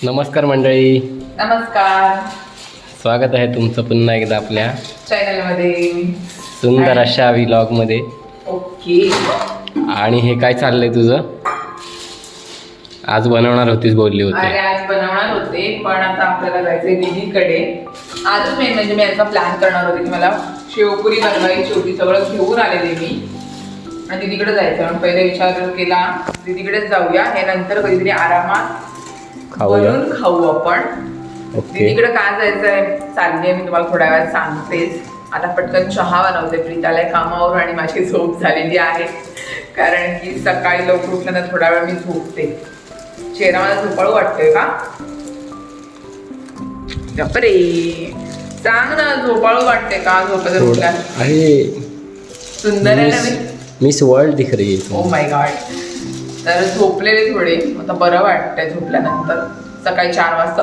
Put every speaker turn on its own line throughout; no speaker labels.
नमस्कार मंडळी.
नमस्कार.
स्वागत आहे तुमचं पुन्हा एकदा आपल्या
चॅनलमध्ये
सुंदर अशा व्लॉगमध्ये.
ओके.
आणि हे काय चाललंय तुझं? आज बनवणार होतीस बोलली
अरे
होती.
आज बनवणार होते पण आता आपल्याला जायचंय दीदीकडे. आजच मेन म्हणजे मी याचा प्लॅन करणार होते की मला शेवपुरी बनवायची होती. सगळं घेऊन आलेले मी आणि दीदीकडे जायचं म्हणून पहिले विचार केला दीदीकडेच जाऊया. हे नंतर कधीतरी आरामात
खाऊया.
बनवून खाऊ आपण.
ओके.
दीदीकडे काय जायचंय चालली मी तुम्हाला थोड्या वेळात सांगतेच. आता पटकन चहा बनवते. प्रीताला कामावर आणि माझी झोप झालेली आहे कारण की सकाळी लवकर उठल्यानंतर थोडा वेळ मी झोपते. चेहरा मला झोपाळू वाटतोय का? बापरे, सांग ना, झोपाळू वाटते का झोपेत उठल्या?
अरे
सुंदर आहे ना मी.
मिस वर्ल्ड दिख रही है.
Oh my god. तर झोपलेले थोडे, आता बरं वाटतंय झोपल्यानंतर. सकाळी 4 वाजता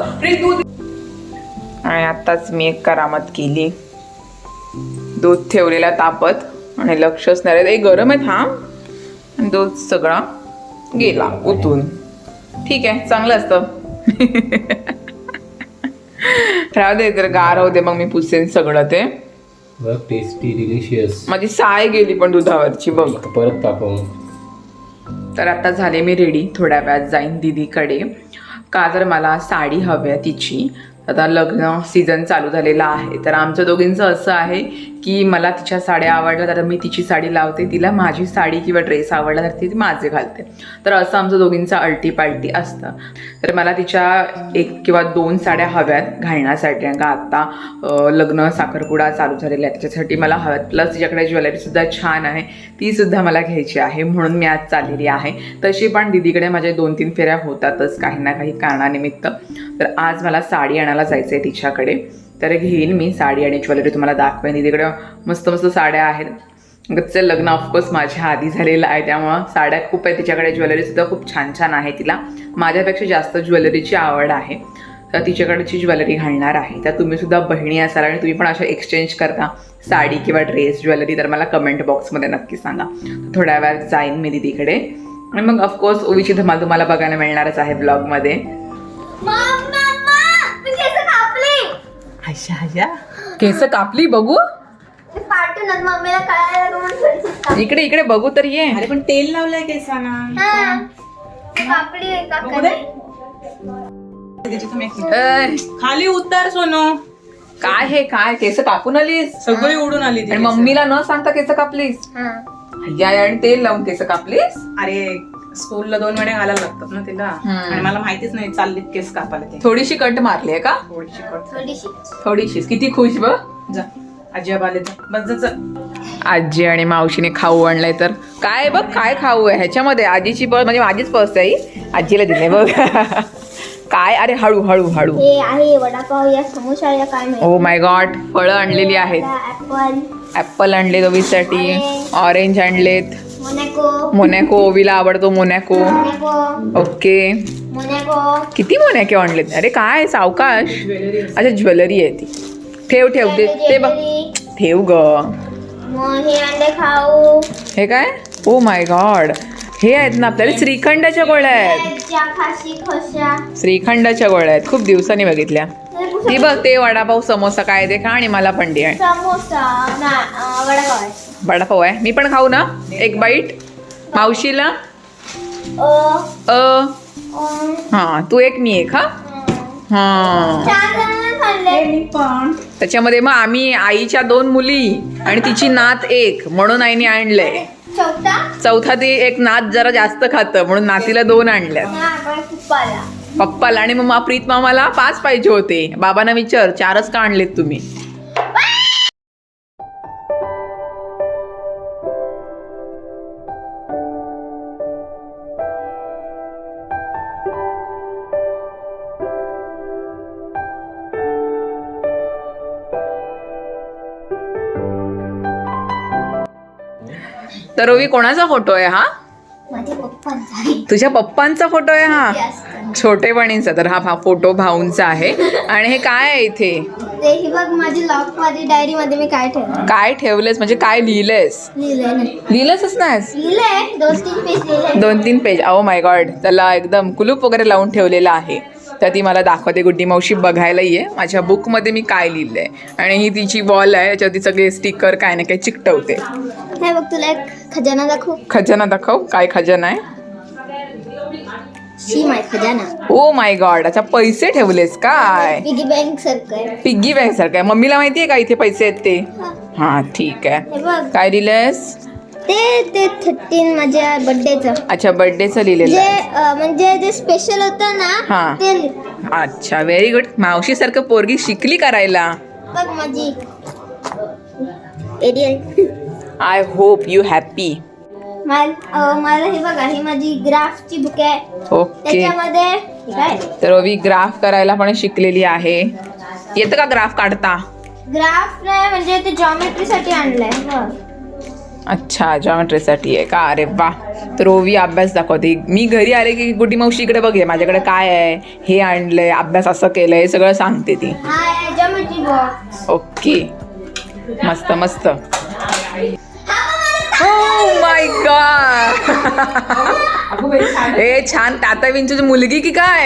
आणि आत्ताच मी एक करामत केली. दूध ठेवलेला तापत आणि लक्षच नाही रे, गरम आहे थांब. आणि दूध सगळा गेला उतून. ठीक आहे, चांगलं असतं. राहू दे, तर गार होते मग मी पुसेन सगळं ते.
Tasty delicious.
माझी साय गेली पण दुधावरची बघ.
परत तापव.
तर आता झाले मी रेडी. थोड्या वेळात जाईन दीदीकडे का तर मला साडी हवी आहे तिची. आता लग्न सीझन चालू झालेला आहे तर आमच्या दोघींचं असं आहे की मला तिच्या साड्या आवडल्या तर मी तिची साडी लावते, तिला माझी साडी किंवा ड्रेस आवडला तर ती माझे घालते. तर असं आमचं दोघींचं अल्टीपाल्टी असतं. तर मला तिच्या 1 किंवा 2 साड्या हव्यात घालण्यासाठी कारण का आत्ता लग्न साखरपुडा चालू झालेला आहे त्याच्यासाठी मला हव्यात. प्लस तिच्याकडे ज्वेलरीसुद्धा छान आहे, तीसुद्धा मला घ्यायची आहे म्हणून मी आज चाललेली आहे. तशी पण दीदीकडे माझ्या 2-3 फेऱ्या होतातच काही ना काही कारणानिमित्त. तर आज मला साडी आणायला जायचं आहे तिच्याकडे. तर घेईन मी साडी आणि ज्वेलरी तुम्हाला दाखवेन. दीदीकडे मस्त मस्त साड्या आहेत. गच्चं लग्न ऑफकोर्स माझ्या आधी झालेलं आहे त्यामुळं साड्या खूप आहे तिच्याकडे. ज्वेलरीसुद्धा खूप छान छान आहे. तिला माझ्यापेक्षा जास्त ज्वेलरीची आवड आहे तर तिच्याकडची ज्वेलरी घालणार आहे. तर तुम्हीसुद्धा बहिणी असाल आणि तुम्ही पण अशा एक्सचेंज करता साडी किंवा ड्रेस ज्वेलरी तर मला कमेंट बॉक्समध्ये नक्की सांगा. थोड्या वेळात जाईन मी दीदीकडे आणि मग ऑफकोर्स ओवीची धमाल तुम्हाला बघायला मिळणारच आहे ब्लॉगमध्ये. केस कापली बघू. इकडे इकडे बघू तर ये.
अरे पण तेल लावलंय केसांना. खाली उतर सोनो.
काय हे काय केस कापून आलीस?
सगळी उडून आली
आणि मम्मीला न सांगता केस कापलीस? या आणि तेल लावून केस कापलीस?
अरे स्कूलला 2 वेळा घालायला लागतात ना तिला आणि मला माहितीच नाही चाललीत केस कापायला ते.
थोडीशी कट मारली आहे का? थोडीशीच. किती खुश बघ.
जा आजी आले जा बस जा.
आजी आणि मावशीने खाऊ आणलंय तर काय बघ काय खाऊ आहे ह्याच्यामध्ये. आजीची पर्स म्हणजे माझीच पर्स आहे, आजीला दिले बघ. काय अरे हळू हळू हळू.
हे आहे वडापाव या समोसा या काय माहिती.
Oh my god. फळं आणलेली आहेत. ऍपल आणले ओवीसाठी, ऑरेंज आणलेत. मोनॅको ओवीला आवडतो मोनॅको. ओके. किती मोनॅको आणलेत? अरे काय सावकाश. अच्छा ज्वेलरी आहे ती. ठेव ठेव ते बघ ठेव ग. हे काय? Oh my god. हे आहेत ना आपल्याला श्रीखंडाच्या गोळ्या आहेत. श्रीखंडाच्या गोळ्या आहेत. खूप दिवसांनी बघितल्या. ती बघ ते वडापाव समोसा काय ते खा आणि मला पण दे. वडापाव आहे. मी पण खाऊ ना एक बाईट. मावशीला हा तू एक मी एक. हा त्याच्यामध्ये मग आम्ही आईच्या 2 मुली आणि तिची नात 1 म्हणून आईने आणलंय. चौथा ती एक नात जरा जास्त खातं म्हणून नातीला 2 आणल्या पप्पाला. आणि मग प्रीत मामाला 5 पाहिजे होते. बाबांना विचार 4च का आणलेत तुम्ही? तर रवी कोणाचा फोटो आहे हा? तुझ्या पप्पांचा फोटो आहे हा? छोटेपणीचा. तर हा फोटो भाऊंचा आहे. आणि हे काय आहे इथे?
ही बघ माझी लॉक मध्ये डायरी मध्ये मी काय ठेवलं.
काय ठेवलेस म्हणजे काय लिहिलंयस? लिहिलंच नाहीस?
लिहिलंय 2-3 पेज लिहिलंय.
2-3 पेज. O my God. त्याला एकदम कुलूप वगैरे लावून ठेवलेला आहे. तर ती मला दाखवते गुड्डी मावशी बघायला ये माझ्या बुकमध्ये मी काय लिहिलंय. आणि ही तिची वॉल आहे याच्यावरती सगळे स्टिकर काय ना काय चिकटवते.
हे बघ तुला एक खजाना दाखवू.
खजाना दाखव. काय खजाना आहे?
शी माय खजाना.
Oh my god. अच्छा पैसे ठेवलेस काय?
पिगी बँक सारखं आहे.
पिग्गी बँक सारखं आहे. मम्मीला माहितीये का इथे पैसे आहेत ते? हा ठीक आहे.
हे बघ
काय लिहिलंयस?
ते 13 माझ्या बर्थडेचं.
अच्छा बर्थडेचं लिहिलेलं
जे
आहे.
म्हणजे जे स्पेशल होतं
हा.
ना ते
अच्छा व्हेरी गुड. मावशी सारखं पोरगी शिकली करायला.
बघ माझी Ariel.
I hope you happy.
मला हे बघा ही माझी ग्राफची बुक आहे.
ओके.
त्याच्यामध्ये हे काय
तर ओवी ग्राफ करायला पण शिकलेली आहे. येतं का ग्राफ काढता?
ग्राफ नाही म्हणजे ते जॉमेट्रीसाठी आणलंय. बघ.
अच्छा जॉमेट्रीसाठी आहे का? अरे वा. तर ओवी अभ्यास दाखवते. मी घरी आले की गुड्डी मावशी इकडे बघे माझ्याकडे काय आहे, हे आणलंय, अभ्यास असं केलंय, हे सगळं सांगते ती.
हा आहे जॉमेट्री बॉक्स.
ओके मस्त मस्त. Oh my god. हे छान. ताता विंचूची मुलगी की काय?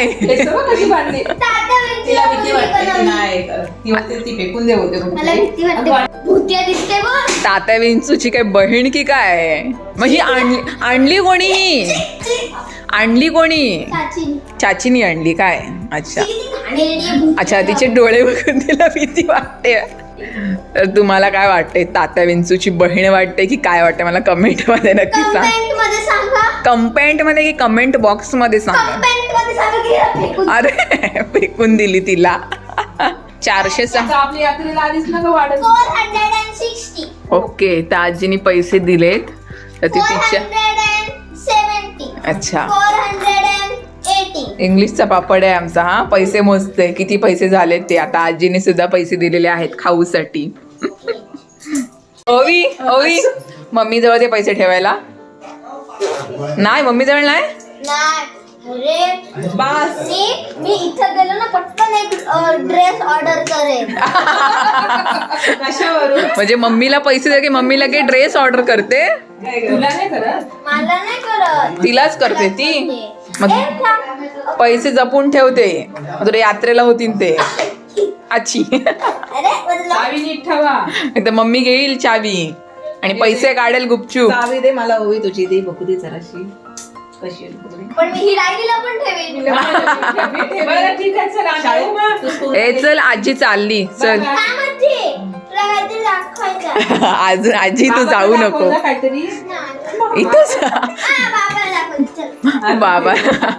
मला भीती वाटते. भूतिया दिसते बघ.
तात्या विंचूची काय बहीण की काय? मग ही आणली कोणी? आणली कोणी?
चाचीनी.
चाचीनी आणली काय? अच्छा
किती घाणेरडी आहे भूत.
अच्छा. तिचे डोळे बघून तिला भीती वाटते. तर तुम्हाला काय वाटते? तात्या विंचूची बहीण वाटते की काय वाटते? मला कमेंट मध्ये नक्की सांग.
कमेंट मध्ये सांगा.
कमेंट मध्ये की कमेंट बॉक्स मध्ये सांगा.
कमेंट मध्ये सांगा की हिला फेकून.
अरे फेकून दिली तिला. 400.
आपली यात्रेला आलीच ना का वाढत.
460.
ओके. तर आजीने पैसे दिलेत तर ती तिच्या
470.
अच्छा
480.
इंग्लिशचा पापड आहे आमचा. हा पैसे मोजते किती पैसे झालेत ते. आता आजीने सुद्धा पैसे दिलेले आहेत खाऊसाठी. ओवी ओवी मम्मी जवळ ते पैसे ठेवायला नाही. मम्मी जवळ नाही.
नाही. अरे बास. मी इथं गेलो ना पटकन एक ड्रेस ऑर्डर करेन.
कशावरून?
म्हणजे मम्मीला पैसे दे की मम्मी लगे ड्रेस ऑर्डर करते.
तुला नाही करत?
मला नाही करत.
तिलाच करते ती. मग
ए, थांब.
पैसे जपून ठेवते. मग तुला यात्रेला होतील ते. अच्छी.
अरे मतलब
चावी नीट ठेवा.
तर मम्मी घेईल चावी आणि पैसे काढेल गुपचूप.
चावी दे मला. ओवी तुझी दे बघू दे जराशी कशी आहे बघू दे.
पण मी ही डायरीला पण ठेवेन.
बरं ठीक आहे चल शाळेत.
ए चल आजी चालली चल.
काय म्हणते? तुला काहीतरी दाखवायचं.
अजून आजी तू जाऊ नको
काहीतरी.
नाही.
इथंच.
बाबा दाखवायचं. चल.
बाबा.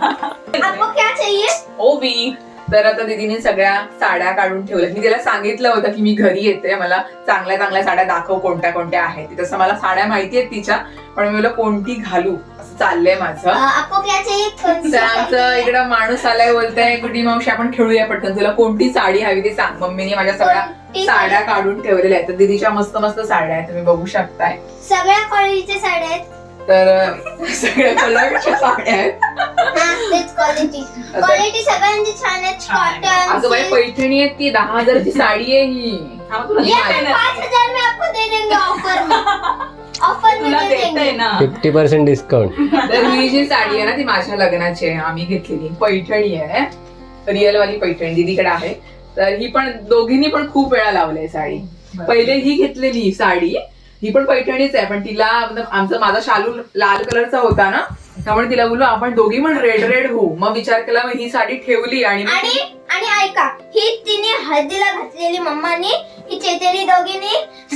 आपको क्या चाहिए?
ओवी. तर आता दीदीने सगळ्या साड्या काढून ठेवल्या. मी तिला सांगितलं होतं की मी घरी येते, मला चांगल्या चांगल्या साड्या दाखव कोणत्या कोणत्या आहेत. तसं मला साड्या माहिती आहेत तिच्या, पण मी मला कोणती घालू असं चाललंय माझं.
आपको क्या चाहिए?
तर आमचं इकडं माणूस आलाय बोलताय गुड्डी मावशी आपण खेळूया पटकन, तुला कोणती साडी हवी ते सांग. मम्मीने माझ्या सगळ्या
कोणती
साड्या काढून ठेवलेल्या आहेत. तर दीदीच्या मस्त मस्त साड्या आहेत, तुम्ही बघू शकताय.
सगळ्या क्वालिटीच्या साड्या आहेत.
तर सगळ्या कलरच्या साड्या आहेत.
हा, तेच क्वालिटी. क्वालिटी सगळ्यांची छान आहे.
अगं बाई
कॉटन.
पैठणी आहे ती, 10,000 ची साडी आहे ही.
ये 5,000 में आपको दे देंगे ऑफर में. ऑफर में
तुला
दे
देतय
देंगे.
ना.
50% डिस्काउंट.
तर ही जी साडी आहे ना ती माझ्या लग्नाची आहे, आम्ही घेतलेली पैठणी आहे, रिअल वाली पैठणी दीदीकडे आहे. तर ही पण दोघींनी पण खूप वेळा लावली साडी. पहिले ही घेतलेली साडी, ही पण पैठणीच आहे, पण तिला माझा शालू लाल कलरचा होता ना, त्यामुळे तिला बोललो आपण दोघी पण रेड रेड होऊ. मग विचार केला, मग ही साडी ठेवली. आणि
आणि ऐका, ही तिने हळदीला घातलेली मम्मानी, ही चेतेली दोघींनी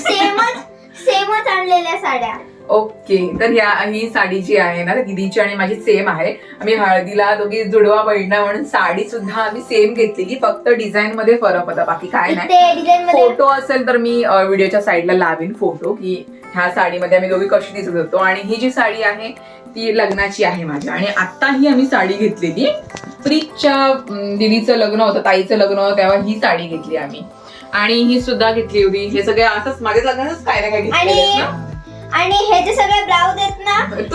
सेमच आणलेल्या साड्या.
ओके. तर ही साडी जी आहे ना दीदीची आणि माझी सेम आहे. आम्ही हळदीला दोघी जुडवा बहिणा म्हणून साडी सुद्धा आम्ही सेम घेतलेली, फक्त डिझाईन मध्ये फरक होता, बाकी काय नाही.
ते डिझाईन मध्ये
फोटो असेल तर मी व्हिडिओच्या साईडला लावेन फोटो, की ह्या साडीमध्ये आम्ही दोघी कशी दिसत होतो. आणि ही जी साडी आहे ती लग्नाची आहे माझ्या. आणि आता ही आम्ही साडी घेतलेली प्रीतच्या दिदीचं लग्न होतं, ताईचं लग्न होतं, तेव्हा ही साडी घेतली आम्ही. आणि ही सुद्धा घेतली होती. हे सगळे असंच माझ्या लग्नातच काय ना काय घेतलेलं.
आणि हे जे सगळे ब्लाउज आहेत ना,
तू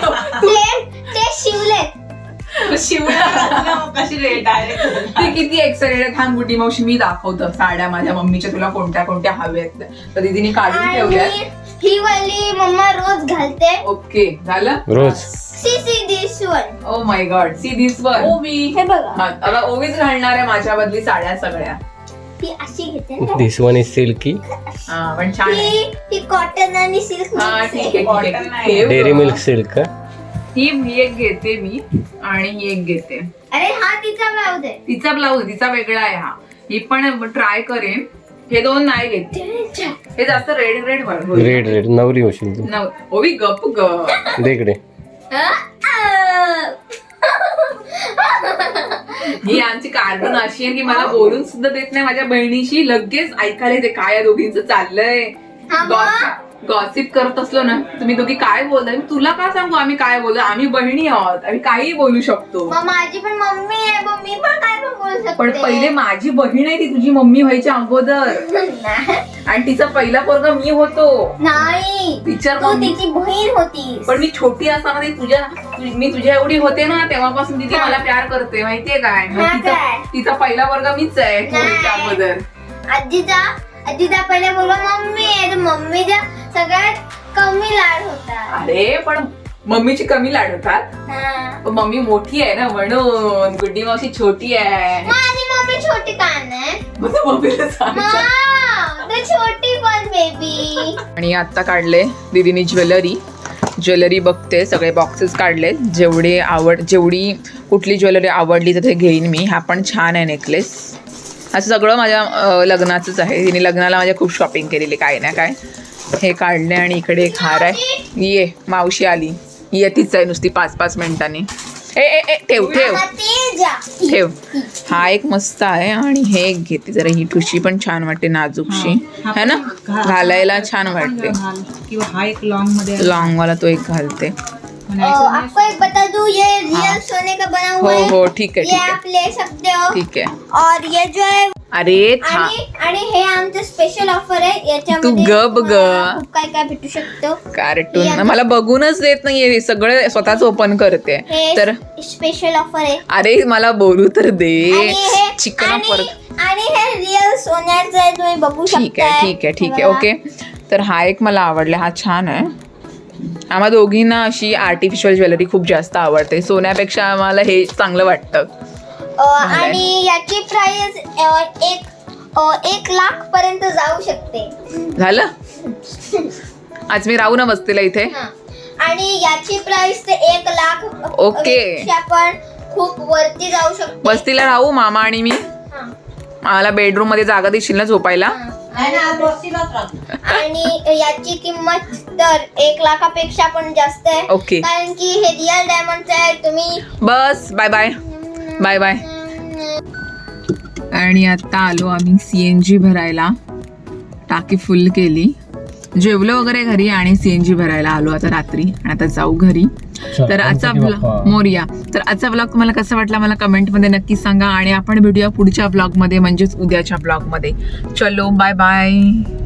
ते शिवलेत.
कशी रेट आहे.
ती किती एक्साइटेड आहे. थांब गुड्डी मावशी मी दाखवतो साड्या माझ्या मम्मीच्या, तुला कोणत्या कोणत्या हव्यात. तर दीदीने काढून ठेवल्यात.
ही वाली मम्मा रोज घालते.
ओके झालं.
रोज
see this one.
Oh my god, see this one.
हे बघा
आता ओवीच घालणार आहे माझ्या बदली साड्या सगळ्या.
ही अशी घेते ना.
This one is silky.
हा पण छान आहे.
ही कॉटन आणि सिल्क.
हा ठीक आहे, ठीक
Cotton
आहे.
नाही.
ठेव.
Dairy milk silk.
ही एक घेते मी आणि ही एक घेते.
अरे हा तिचा ब्लाउज आहे.
तिचा ब्लाऊज तिचा वेगळा आहे हा. ही पण ट्राय करेन. हे दोन नाही घेते, हे जास्त रेड रेड होईल.
रेड रेड नवरी होशील तू.
ओवी गप ग.
दे इकडे.
ही आमची कार्टून अशी आहे की मला बोलून सुद्धा देत नाही. माझ्या बहिणीशी लगेच ऐकायला येते काय या दोघींचं चाललंय. गॉसिप करत असलो ना तुम्ही दोघी काय बोलताय, मी तुला का सांगू आम्ही काय बोलतो. आम्ही बहिणी आहोत, आम्ही काही बोलू शकतो.
मग माझी पण मम्मी आहे, मग मी पण काय पण बोलू शकते.
पण पहिले माझी बहीण आहे ती तुझी मम्मी व्हायच्या अगोदर, आणि तिचा पहिला पोरगा मी होतो.
नाही
टीचर
तू तिची बहीण होती.
पण मी छोटी असताना मी तुझ्या एवढी होते ना तेव्हापासून तिथे मला प्यार करते माहितीये काय. मग
हा
तिचा
काय?
तिचा पहिला वर्ग मीच आहे व्हायच्या अगोदर.
आजीचा पहिले बोलवा मम्मी आहे, तर मम्मीचा सगळ्यात कमी लाड होता.
अरे पण मम्मीची कमी लाड होतात.
हा.
पण मम्मी मोठी आहे ना म्हणून. गुड्डी मावशी छोटी आहे.
माझी मम्मी छोटी का नाही?
मग तू मम्मीला सांग.
तर छोटी पण बेबी.
आणि आता काढले दीदीनी ज्वेलरी बघते. सगळे बॉक्सेस काढले. जेवढी कुठली ज्वेलरी आवडली तर ते घेईन मी. हा पण छान आहे नेकलेस. असं सगळं माझ्या लग्नाचंच आहे. तिने लग्नाला माझ्या खूप शॉपिंग केलेली काय ना काय. हे काढले आणि इकडे एक हार आहे. ये मावशी आली. ये तीच आहे नुसती 5-5 मिनिटांनी. ठेव ठेव ठेव. हा एक मस्त आहे आणि हे एक घेते. जरा ही ठुशी पण छान वाटते, नाजूकशी है ना, घालायला छान वाटते.
किंवा हा एक लॉंग मध्ये
लॉंग वाला तो एक घालते.
आपको एक बता दूं, ये रियल सोने का बना हुआ है.
हो ठीक आहे
ये
ठीक आहे
आप ले सकते हो.
ठीक आहे.
और ये जो है
अरे
आणि हे आमचं स्पेशल ऑफर आहे.
तू
याच्यामध्ये
गप ग.
तुम्हाला खूप काय काय भेटू शकतो.
कार्टून मला बघूनच देत नाहीये, सगळं स्वतःच ओपन करते.
हे
तर
स्पेशल ऑफर आहे.
अरे मला बोलू तर दे.
आणि हे
चिकन
आणि हे रियल सोन्याचं आहे, तुम्ही बघू शकता.
ठीक आहे ठीक आहे ठीक आहे ओके. तर हा एक मला आवडला, हा छान आहे. आम्हा दोघींना अशी आर्टिफिशियल ज्वेलरी खूप जास्त आवडते. सोन्यापेक्षा आम्हाला हे चांगलं वाटतं.
आणि याची प्राइस 1 लाख पर्यंत जाऊ शकते.
झालं. आज मी राहू ना बसतेला इथे.
हा. आणि याची प्राइस ते 1 लाख
ओके.
पेक्षा पण खूप वरती जाऊ शकते.
बसतीला राहू मामा आणि मी.
हा.
मला बेडरूम मध्ये जागा देशील ना झोपायला.
आणि याची किंमत तर 1 लाखापेक्षा पण जास्त आहे.
ओके.
कारण की हे रिअल डायमंड आहे. तुम्ही
बस बाय बाय बाय बाय. आणि आता आलो आम्ही CNG भरायला. टाकी फुल केली, जेवलो वगैरे घरी आणि CNG भरायला आलो आता रात्री. आणि आता जाऊ घरी. तर आजचा ब्लॉग मोरिया. तर आजचा ब्लॉग तुम्हाला कसा वाटला मला कमेंटमध्ये नक्की सांगा. आणि आपण भेटूया पुढच्या ब्लॉगमध्ये, म्हणजेच उद्याच्या ब्लॉगमध्ये. चलो बाय बाय.